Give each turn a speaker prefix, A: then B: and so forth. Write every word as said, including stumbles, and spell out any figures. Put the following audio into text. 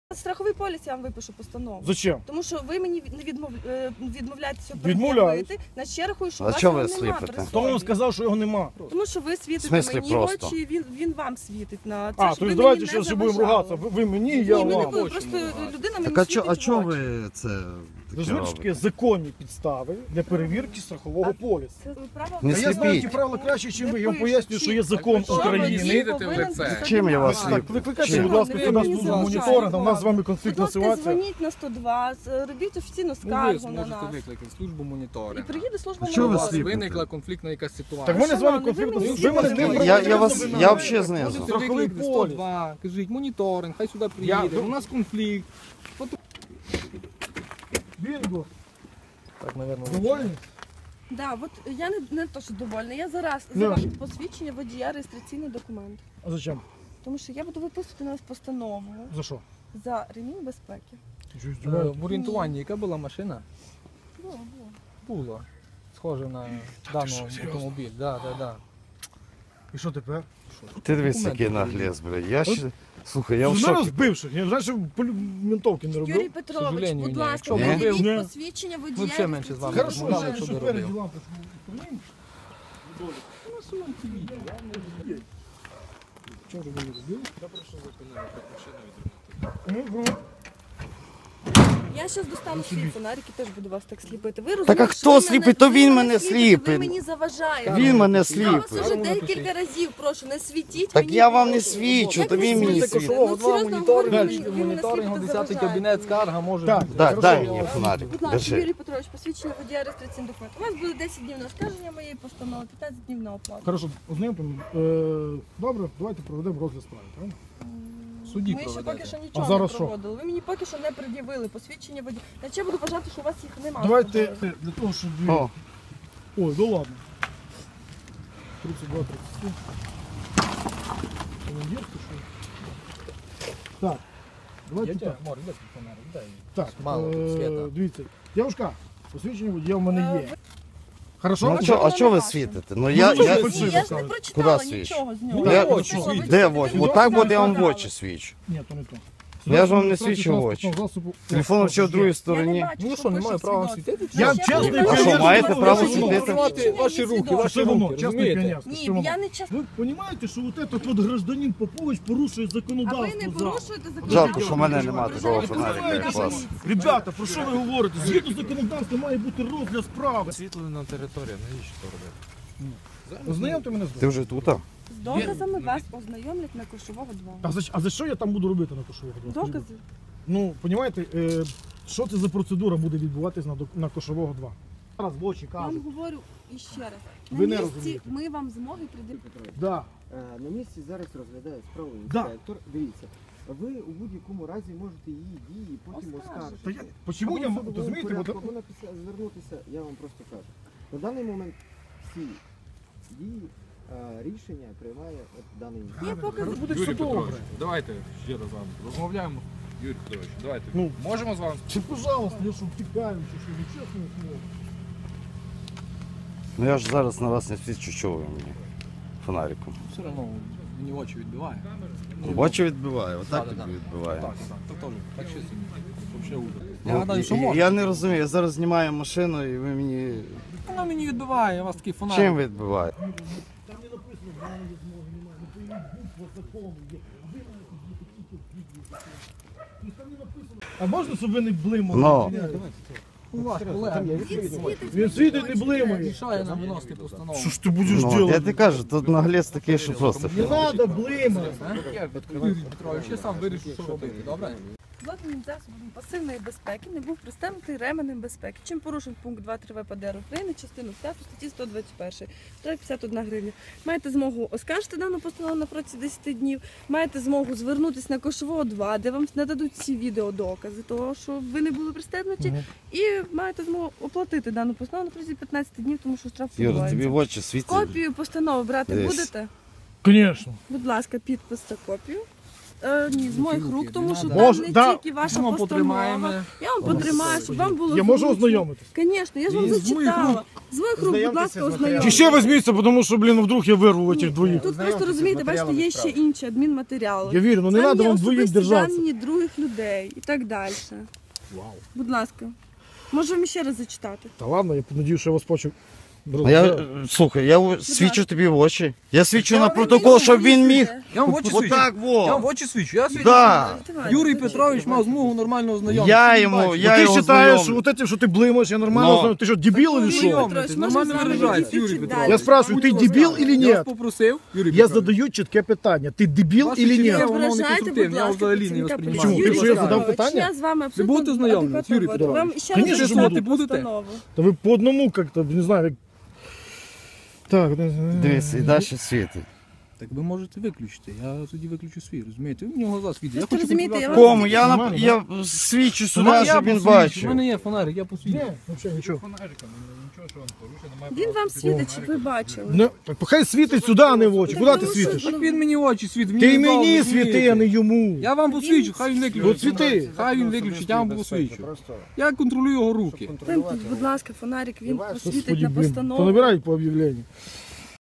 A: Страховий поліс я вам випишу постанову.
B: Зачем?
A: Тому що ви мені не відмов... відмовляєтеся
B: Відмовляюсь.
A: пред'явити. Значить, я рахую, що
C: А
A: у вас
C: чого
A: його
C: ви
A: нема
C: сліпите?
A: при
B: Хто вам
A: собі.
B: сказав, що його нема?
A: Тому що ви світите
C: В смислі
A: мені
C: просто?
A: в очі, він, він вам світить на це,
B: А,
A: щоб
B: то
A: ви
B: есть
A: мені
B: давайте
A: не
B: зараз ще будемо
A: заважали.
B: ругатися. Ви, ви мені,
A: Ні,
B: я
A: ми не
B: вам.
A: будемо, просто людина мені
C: Так а чо,
A: світить
C: а
A: в
C: чого
A: очі.
C: ви це
B: Ви
C: таке
B: знаєте, що таке
C: робите?
B: законні підстави для перевірки страхового полісу.
A: Це право...
C: Не
B: А я знаю ті
C: сліпіть.
B: правила краще, ніж ви.
A: Не
B: Я вам
A: пишуть,
B: пояснюю, що є
A: чітко.
B: закон
A: Що ви
B: України.
A: світите
D: в
A: повинен
D: лице?
A: бути
C: Чим я вас
A: знімати.
B: Так, викликайте,
C: Чим?
B: будь ласка,
A: Ви
B: сюди
A: мені
B: службу
A: заважаєте.
B: моніторинга, у нас з вами
A: Будь
B: конфліктна
A: ласка,
B: ситуація.
A: дзвоніть на сто два, з- робіть офіційну
D: Ну, ви
A: скаргу на
D: зможете
A: нас.
D: викликати службу
A: І
D: моніторингу.
A: приїде служба
C: А чого ви
D: У вас
A: моніторингу.
C: сліпите?
D: виникла конфліктна якась ситуація.
B: Так в мене з вами
A: Шановний, ви
B: конфліктна
A: мені
B: ситуація. Ви мене з ним
A: сліпите.
C: Я,
B: проводите
C: я вас,
B: виноград.
C: я взагалі знизу.
D: Можете
B: Страховий
D: викликати
B: поліс.
D: сто два, кажіть моніторинг, хай сюди
B: Я-
D: приїде, у нас конфлікт.
B: Бінго.
D: Так, мабуть,
B: Довольні?
A: Да, от я не, не то, що довольна. Я зараз
B: Ну.
A: за ваше посвідчення водія реєстраційний документ.
B: А зачем?
A: Тому що я буду виписувати на вас постанову
B: За що?
A: за ремінь безпеки.
B: Ти що,
D: Е,
B: здіваєтесь?
D: в орієнтуванні яка була машина?
A: Було, було.
D: Була. Схожа на даний
B: що, серйозно?
D: автомобіль. Да, да, да.
B: І що тепер?
C: Ти дивись,
D: Документи
C: який наглес, блядь. Я ще... Слухай, я в
B: Ти
C: шокі.
B: мене збивши. Я знаєш, що полю- ментовки не робив.
A: Юрій Петрович,
D: сожалению,
A: будь
D: ні.
A: ласка,
D: Якщо
C: б
A: пред'явіть
B: робив-
A: посвідчення
D: Ми
A: водія
D: взагалі менше з вами
A: реєстраційний
B: Хорошо,
D: розмовляли,
B: що
D: що ви
B: спереді
D: робили.
B: лампочку. Чого ж ви не робили? Мгм.
A: Я зараз достану свій фонарик і теж буду вас так сліпити. Ви
C: Так а
A: розумієте,
C: хто
A: що ви
C: сліпить?
A: мене-
C: То
A: ви
C: він мене
A: світите,
C: сліпить.
A: Ви мені заважаєте.
C: Він мене
A: Я вас
C: сліпить.
A: вже декілька разів прошу, не світіть
C: Так
A: мені
C: я
A: в
C: вам не
A: очі.
C: свічу,
A: Як
C: то
A: не
C: він мені
A: світите?
C: світить.
A: Ну,
D: Кошового два
A: серйозно
D: моніторинг,
A: говорю, ви мені
D: моніторингу,
A: сліпите,
D: десятий
A: заважаєте.
D: кабінет, скарга може
B: Так,
D: бути.
C: Так,
B: Хорошо,
C: дай
B: я-
C: мені фонарик.
A: Будь ласка,
C: Держи.
A: Юрій Петрович, посвідчення водія реєстраційний документ. У вас буде десять днів на оскарження моєї постанови, п'ятнадцять днів на оплату.
B: Хорошо, ознайомимо. Е, Добре, давайте проведемо розгляд справи, правильно?
D: Судді
A: Ми ще поки
D: проведете.
A: що
B: А
A: нічого
B: зараз
A: не
B: що?
A: проводили. Ви мені поки що не пред'явили посвідчення водія. Значить, я буду вважати, що у вас їх немає.
B: Давайте е, для того, щоб... ви-
C: О,
B: Ой, да ладно. тридцять два тридцять семь. Командирська, що? Так, давайте
D: Я
B: так.
D: тебе, Мор, іди фонарик, дай.
B: Так,
D: Мало
B: е,
D: світа.
B: дивіться. Дівушка, посвідчення водія в мене
A: Е,
B: є. Хорошо?
C: ну а чо, а чо ви світите? Ну я,
B: Ну,
C: я...
B: що ви
A: Ні, я ж не
B: Куди
A: прочитала
C: свіч?
A: нічого з
B: Ну,
A: нього.
C: Я-
A: Ви
B: очі
A: що, ви
B: світять.
C: Де
A: читаєте
C: в очі?
A: відео,
C: Отак
A: що
C: буде я вам в
A: сказали?
C: очі свічу.
B: Ні, то не то.
C: Я ж вам не
B: Реєстрація
C: свічу в очі.
B: транспортного засобу.
C: Телефон взагалі в другій
A: Я не
C: стороні.
A: бачу,
D: Ну
A: що
D: що, немає
A: пише
D: права
A: свідоцтво.
D: світити?
B: Я
A: Ще
B: чесний
A: поки
C: А що,
B: піонер,
C: маєте
B: що
C: право
B: ви
C: світити?
D: Контролювати ваші руки, ваші
B: Що воно,
D: руки,
B: чесний
D: розумієте?
B: піонерський, що
A: Ні,
B: воно?
A: я не чесно.
B: Ви розумієте, що от этот от гражданин Попович порушує
A: А ви
B: законодавство
A: не
B: зараз?
A: порушуєте законодавство.
C: Жалко, що в мене нема
A: Ви
C: такого
A: знаєте,
C: фонарика,
A: ви
C: як у вас.
A: знаєте,
B: Ребята, про що ви говорите? Згідно законодавства має бути розгляд справи.
E: Освітлена територія, навіщо то робити?
B: Ознайомте мене з
C: Ти вже тут? а?
A: З доказами вас ознайомлять на Кошового два.
B: А за, а за що я там буду робити на Кошового? два?
A: Докази?
B: Ну, розумієте, е, що це за процедура буде відбуватись на, док- на Кошового два? Зараз в очі
A: Я вам
B: кажуть.
A: говорю іще раз.
B: Ви не
A: На місці
B: розумієте.
A: ми вам змоги приділити.
B: Да.
F: Е, На місці зараз розглядає справу
B: Да.
F: інспектор. Дивіться, ви у будь-якому разі можете її дії потім
A: Оскаржити.
B: Та я,
F: оскаржити.
B: почему
F: Або
B: я,
F: в
B: м-
F: судовому
B: розумієте,
F: порядку,
B: от,
F: або написати, звернутися, я вам просто кажу. На даний момент всі дії, е, рішення приймає от даний
A: Є
F: інспектор.
A: покази.
B: буде все
D: Юрій
B: добре.
D: Петрович, давайте ще раз з вами розмовляємо. Юрій Петрович, давайте.
B: Ну.
D: Можемо з вами?
B: Чи, пожалуйста, я що, втікаємо, чи що, ну, чесно слово.
C: Ну я ж зараз на вас не свічу, що ви мені фонариком.
D: Все одно мені очі відбиває.
C: В очі відбиває, отак
D: Да, да,
C: тобі
D: да.
C: відбиває.
D: Так, так, так теж. Так що це взагалі ужас.
C: Ну,
D: Я гадаю, що
C: і-
D: можна.
C: я не розумію, я зараз знімаю машину і ви мені...
D: Воно мені відбиває, у вас такий фонарик.
C: Чим відбиває?
B: Там не написано, що немає змоги, немає. Ну, то є буква закону є. А ви маєте бути тільки в відео закону. Тобто там не написано. А можна, щоб ви не блимали?
C: Ну.
B: Ні,
D: У вас колега
A: Він світить.
B: Він світить, не блимає.
D: рішає нам виносити постанову.
B: Що ж ти будеш
C: Ну, я
B: робити?
C: тобі кажу, тут наглець такий, що просто...
B: Не треба блимати.
D: Юрій Петрович, я сам вирішу, що робити, добре?
A: Злотним засобом пасивної безпеки не був пристебнутий ременем безпеки. Чим порушив пункт два три ВПД України, частину п'яту статті сто двадцять перший, штраф п'ятдесят одна гривня. Маєте змогу оскаржити дану постанову на протязі десяти днів, маєте змогу звернутися на Кошового два, де вам нададуть всі відеодокази того, що ви не були пристебнуті, і маєте змогу оплатити дану постанову на протязі п'ятнадцяти днів, тому що штраф
C: Юра, тобі в
A: відбувається.
C: очі світить.
A: Копію постанови брати
C: Десь.
A: будете?
B: Звісно.
A: Будь ласка, підпис та копію. Е, ні, з моїх рук, тому що
B: Може,
A: там не
B: да.
A: тільки ваша
E: Ми вам
A: постанова.
E: потримаємо.
A: Я вам потримаю, щоб вам було
B: Я можу
A: зручно.
B: ознайомитись?
A: Звісно, я ж вам
E: І з моїх
A: зачитала. З моїх рук, будь
F: Ознайомтеся
A: ласка,
F: з матеріалом.
A: ознайомтеся.
B: Чи ще візьміться, тому що, блін, ну, вдруг я вирву цих двоїх.
A: Тут просто розумієте, бачите, є ще інші адмінматеріали.
B: Я вірю, ну не
A: Там
B: треба
A: є
B: вам двоїх
A: особисті
B: держатися.
A: дані других людей і так далі. Будь ласка. Можу вам ще раз зачитати.
B: Та ладно, я надію, що я вас почув.
C: А я, е, слухай, я у- свідчу тобі в очі. Я свідчу на
A: Ви
C: протокол,
A: мені
C: щоб він міг.
A: говорите.
E: Я вам в очі свідчу.
C: Отак
E: Я вам в
C: во.
E: очі свідчу. Я свідчу.
C: Да.
A: Давайте,
E: Юрій
A: зачитайте.
E: Петрович мав змогу нормально ознайомитися.
C: Я
E: Він
C: йому,
E: бачив.
C: я
B: ти
C: його
B: вважаєш,
C: знайомлю.
B: от те, що ти блимаєш, я нормально
C: Но.
B: знаю. Ти що, дебіл
A: Юрій
B: или що?
E: Знайомий.
A: Петрович,
E: Ти
A: може
E: нормально
A: з вами
E: виражаєшся,
A: йти
E: Юрій
A: чуть
E: Петрович.
A: далі?
B: Я спрашиваю, ти дебіл или
E: Я вас
B: нет?
E: попросив, Юрій
B: Я
E: Петрович.
B: задаю чітке питання. Ти дебіл
E: Ваші
B: или
E: чіткі
B: нет?
A: Не
E: воно не
A: ображайте,
E: конструктивне,
A: будь
E: я
A: ласка,
E: взагалі не
A: працівника
E: восприймаю.
A: поліції.
B: Чому?
A: Юрій
B: Якщо я задам
A: Петрович,
B: питання?
A: я з вами
E: Ви
A: абсолютно
E: будете знайомі,
A: адекватно
E: Юрій
A: говорю.
E: Петрович?
A: Вам ще
B: Конечно,
A: раз
B: що
A: зачитати
E: буду.
A: постанову.
B: Та ви по одному как-то, не знаю, як... Так,
C: Дивись, і далі світить.
E: Так ви можете виключити. Я тоді виключу свій, розумієте? Ви в нього глаз світить.
A: Ви
E: Я хочу
A: розумієте, я
E: контролювати.
C: Кому? Я,
B: Нормально,
C: нап... я свідчу
E: Ну,
C: сюди,
E: я
C: щоб він
E: посвідчу. У
C: бачив.
E: мене є фонарик, я посвідчу.
B: Ні, взагалі нічого.
D: Фонариком, нічого, що він порушує, немає
A: Він
D: права
A: вам
D: світити.
A: світить, щоб ви бачили.
B: Не, так хай світить сюди, а не в очі. Куди ти світиш?
E: Так він мені в очі світить.
B: Ти
E: не дав,
B: мені
E: розумієте?
B: світи, а не йому.
E: Я вам посвідчу, хай він виключить.
B: От світи.
E: Хай він виключить, я вам посвідчу.
F: Просто
E: Я контролюю його руки.
A: Вимкніть, будь ласка, фонарик, він посвітить
B: Господи,
A: на
B: блін,
A: постанову.
B: понабирають по об'явленню.